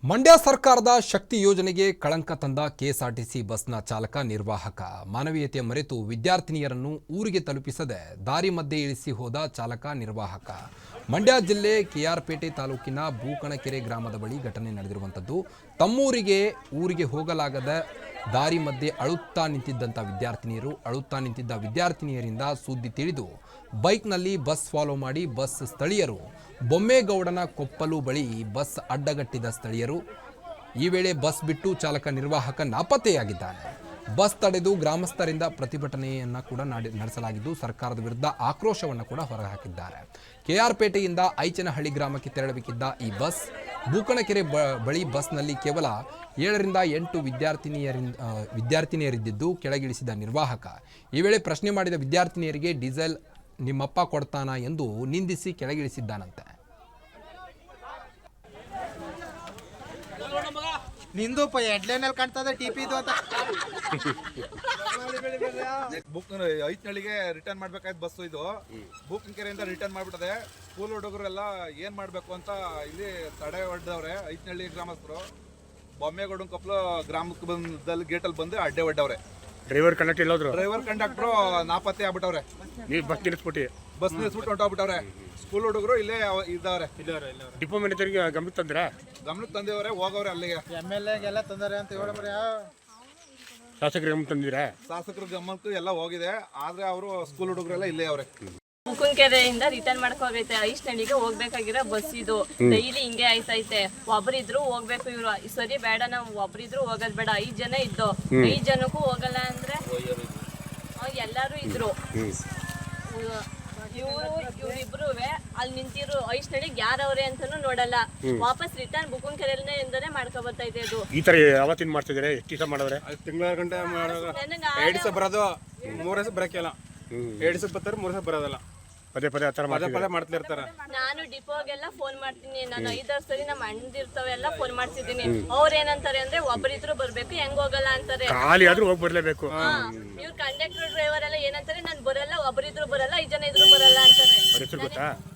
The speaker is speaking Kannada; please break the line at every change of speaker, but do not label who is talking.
ಮಂಡ್ಯ ಸರ್ಕಾರದ ಶಕ್ತಿ ಯೋಜನೆಗೆ ಕಳಂಕ ತಂದ ಕೆಎಸ್ಆರ್ಟಿಸಿ ಬಸ್ನ ಚಾಲಕ ನಿರ್ವಾಹಕ ಮಾನವೀಯತೆ ಮರೆತು ವಿದ್ಯಾರ್ಥಿನಿಯರನ್ನು ಊರಿಗೆ ತಲುಪಿಸದೆ ದಾರಿ ಮಧ್ಯೆ ಇಳಿಸಿ ಹೋದ ಚಾಲಕ ನಿರ್ವಾಹಕ. ಮಂಡ್ಯ ಜಿಲ್ಲೆ ಕೆಆರ್ಪೇಟೆ ತಾಲೂಕಿನ ಬೂಕಣಕೆರೆ ಗ್ರಾಮದ ಬಳಿ ಘಟನೆ ನಡೆದಿರುವಂಥದ್ದು. ತಮ್ಮೂರಿಗೆ ಊರಿಗೆ ಹೋಗಲಾಗದ ದಾರಿ ಮಧ್ಯೆ ಅಳುತ್ತಾ ನಿಂತಿದ್ದ ವಿದ್ಯಾರ್ಥಿನಿಯರಿಂದ ಸುದ್ದಿ ತಿಳಿದು ಬೈಕ್ನಲ್ಲಿ ಬಸ್ ಫಾಲೋ ಮಾಡಿ ಬಸ್ ಸ್ಥಳೀಯರು ಬೊಮ್ಮೇಗೌಡನ ಕೊಪ್ಪಲು ಬಳಿ ಬಸ್ ಅಡ್ಡಗಟ್ಟಿದ ಸ್ಥಳೀಯರು ಈ ವೇಳೆ ಬಸ್ ಬಿಟ್ಟು ಚಾಲಕ ನಿರ್ವಾಹಕ ನಾಪತ್ತೆಯಾಗಿದ್ದಾನೆ. ಬಸ್ ತಡೆದು ಗ್ರಾಮಸ್ಥರಿಂದ ಪ್ರತಿಭಟನೆಯನ್ನು ಕೂಡ ನಡೆಸಲಾಗಿದ್ದು ಸರ್ಕಾರದ ವಿರುದ್ಧ ಆಕ್ರೋಶವನ್ನು ಕೂಡ ಹೊರಹಾಕಿದ್ದಾರೆ. ಕೆಆರ್ಪೇಟೆಯಿಂದ ಐಚನಹಳ್ಳಿ ಗ್ರಾಮಕ್ಕೆ ತೆರಳಬೇಕಿದ್ದ ಈ ಬಸ್ ಬೂಕಣಕೆರೆ ಬಳಿ ಬಸ್ನಲ್ಲಿ ಕೇವಲ 7ರಿಂದ 8 ವಿದ್ಯಾರ್ಥಿನಿಯರಿದ್ದು ಕೆಳಗಿಳಿಸಿದ ನಿರ್ವಾಹಕ ಈ ವೇಳೆ ಪ್ರಶ್ನೆ ಮಾಡಿದ ವಿದ್ಯಾರ್ಥಿನಿಯರಿಗೆ ಡೀಸೆಲ್ ನಿಮ್ಮಪ್ಪ ಕೊಡ್ತಾನ ಎಂದು ನಿಂದಿಸಿ ಕೆಳಗಿಳಿಸಿದ್ದಾನಂತೆ.
ನಿಂದು ಹೆಡ್ಲೈನಲ್ಲಿ ಕಾಣ್ತದೆ ಟಿಪಿದು ಅಂತ
ಐತ್ನಳ್ಳಿಗೆ ರಿಟರ್ನ್ ಮಾಡ್ಬೇಕಾಯ್ತು ಬಸ್. ಇದು ಬೂಕನಕೆರೆಯಿಂದ ರಿಟರ್ನ್ ಮಾಡ್ಬಿಟ್ಟದೆ. ಸ್ಕೂಲ್ ಹುಡುಗರೆಲ್ಲ ಏನ್ ಮಾಡ್ಬೇಕು ಅಂತ ಇಲ್ಲಿ ತಡೆ ಹೊಡೆದವ್ರೆ. ಐತ್ನಳ್ಳಿ ಗ್ರಾಮಸ್ಥರು ಬೊಮ್ಮೇಗೌಡನ ಕೊಪ್ಪಲು ಗ್ರಾಮಕ್ಕೆ ಬಂದಲ್ಲಿ ಗೇಟಲ್ಲಿ ಬಂದು ಅಡ್ಡೆ ಹೊಡೆದವ್ರೆ.
ಡ್ರೈವರ್ ಕಂಡಕ್ಟರ್ ಎಲ್ಲೋದ್ರು?
ಡ್ರೈವರ್ ಕಂಡಕ್ಟರ್ ನಾಪತ್ತೆ ಆಗ್ಬಿಟ್ಟವ್ರೆ.
ನೀವು ಬಸ್ ನಿಲ್ಲಿಸ್ಬಿಟ್ಟು
ಹೊಂಟೋಗ್ಬಿಟ್ಟವ್ರೆ. ಸ್ಕೂಲ್ ಹುಡುಗರು ಇಲ್ಲೇ ಇದ್ದವ್ರೆ.
ಡಿಪೋ ಮ್ಯಾನೇಜರ್ಗೆ ಗಮನಕ್ಕೆ
ತಂದಿವ್ರೆ. ಹೋಗವ್ರೆ ಅಲ್ಲಿಗೆ.
MLA ಗೆಲ್ಲ ತಂದಾರೆ ಅಂತ ಹೇಳಬ್ರಿ.
ಶಾಸಕರಿಗೆ ಗಮನ ತಂದಿರಾ?
ಶಾಸಕರ ಗಮನಕ್ಕೂ ಎಲ್ಲ ಹೋಗಿದೆ. ಆದ್ರೆ ಅವರು ಸ್ಕೂಲ್ ಹುಡುಗರೆಲ್ಲ ಇಲ್ಲೇ ಅವ್ರೆ.
ಬುಕನಕೆರೆಯಿಂದ ರಿಟರ್ನ್ ಮಾಡ್ಕೋಗೈತೆ. ಐಚ್ನಳ್ಳಿಗೆ ಹೋಗ್ಬೇಕಾಗಿರೋ ಬಸ್ ಇದು. ಡೈಲಿ ಹಿಂಗೆ ಆಯ್ತೈತೆ. ಒಬ್ರಿದ್ರು ಹೋಗ್ಬೇಕು. ಇವ್ರು ಸರಿ ಬೇಡ, ನಾವು ಒಬ್ರಿದ್ರು ಹೋಗೋದ್ ಬೇಡ. 5 ಜನ ಇದ್ದು 5 ಜನಕ್ಕೂ ಹೋಗಲ್ಲ ಅಂದ್ರೆ ಎಲ್ಲಾರು ಇದ್ರು. ಇವ್ರಿಬ್ರು ಅಲ್ಲಿ ನಿಂತಿರು ಐಚ್ನಳ್ಳಿಗೆ ಯಾರವ್ರೆ ಅಂತಾನು ನೋಡಲ್ಲ. ವಾಪಸ್ ರಿಟರ್ನ್ ಬುಕನಕೆರೆಯಿಂದನೇ ಮಾಡ್ಕೊ ಬರ್ತೈತೆ. ಅದು
ಈ ತರ ಯಾವತ್ತಿನ ಮಾಡ್ತಿದ್ರೆ ಎಷ್ಟು ದಿವಸ ಮಾಡಿದ್ರೆ?
ತಿಂಗಳ ಗಂಟೆ 2 ದಿವಸ ಬರೋದು, 3 ದಿವಸ ಬರಕ್ಕಿಲ್ಲ. 2 ದಿವಸ ಬರ್ತಾರೆ, 3 ದಿವಸ ಬರೋದಲ್ಲ.
ಪದೇ ಆ ತರ
ಮಾಡ್ತಾ ಇರ್ತಾರೆ.
ನಾನು ಡಿಪೋಗೆಲ್ಲ ಫೋನ್ ಮಾಡ್ತೀನಿ. ನಾನು 5 ಸರಿ ನಮ್ಮ ಅಣ್ಣದಿರ್ತಾವೆಲ್ಲ ಫೋನ್ ಮಾಡ್ತಿದ್ದೀನಿ. ಅವ್ರ ಏನಂತಾರೆ ಅಂದ್ರೆ ಒಬ್ಬರಿದ್ರು ಬರ್ಬೇಕು, ಹೆಂಗ್ ಹೋಗಲ್ಲ ಅಂತಾರೆ.
ಖಾಲಿ ಆದ್ರೂ ಹೋಗಿ ಬರ್ಲೇಬೇಕು.
ಇವ್ರು ಕಂಡಕ್ಟರ್ ಡ್ರೈವರ್ ಎಲ್ಲ ಏನಂತಾರೆ, ನಾನು ಬರಲ್ಲ, ಒಬ್ಬರಿದ್ರು ಬರಲ್ಲ, 5 ಜನ ಇದ್ರು ಬರಲ್ಲ ಅಂತಾರೆ.
ಗೊತ್ತಾ?